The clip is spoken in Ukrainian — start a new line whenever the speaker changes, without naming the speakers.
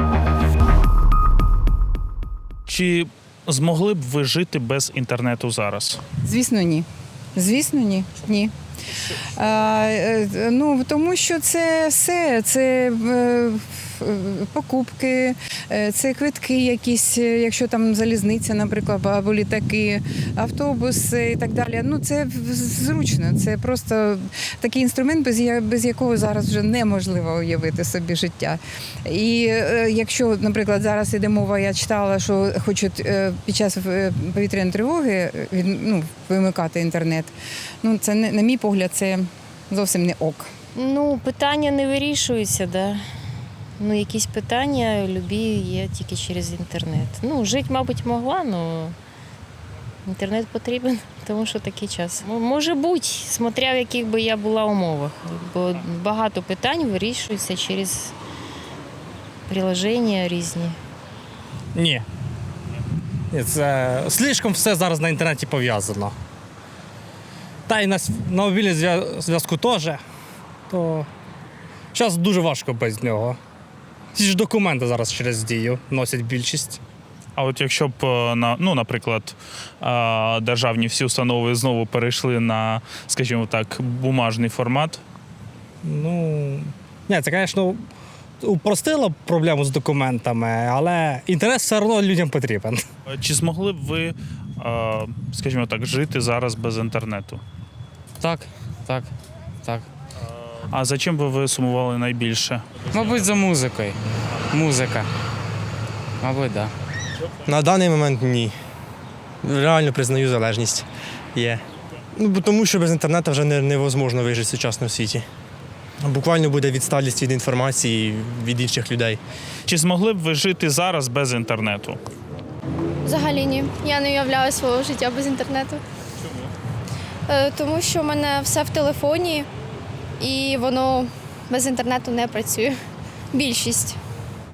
Чи змогли б ви жити без інтернету зараз?
Звісно, ні. Звісно, ні. Ні. Тому що це все, це покупки, це квитки якісь, якщо там залізниця, наприклад, або літаки, автобуси і так далі. Це зручно, це просто такий інструмент, без якого зараз вже неможливо уявити собі життя. І якщо, наприклад, зараз іде мова, я читала, що хочуть під час повітряної тривоги вимикати інтернет. Це, на мій погляд, це зовсім не ок.
Питання не вирішуються, да. Якісь питання любі є тільки через інтернет. Жити, мабуть, могла, але інтернет потрібен, тому що такий час. Може бути, смотря в яких би я була умовах, бо багато питань вирішуються через приложення різні.
Ні. Це слишком все зараз на інтернеті пов'язано. Та й на мобільному зв'язку теж. То зараз дуже важко без нього. Ці ж документи зараз через Дію носять більшість.
А от якщо б, наприклад, державні всі установи знову перейшли на, скажімо так, бумажний формат?
Це, звісно, упростило б проблему з документами, але інтерес все одно людям потрібен.
Чи змогли б ви, скажімо так, жити зараз без інтернету?
Так.
А за чим би ви сумували найбільше?
Мабуть, за музикою. Музика. Мабуть, так. Да.
На даний момент ні. Реально признаю, залежність є. Тому що без інтернету вже невозможно вижити в сучасному світі. Буквально буде відсталість від інформації від інших людей.
Чи змогли б ви жити зараз без інтернету?
Взагалі ні. Я не уявляю свого життя без інтернету. Чому? Тому що в мене все в телефоні і воно без інтернету не працює. Більшість.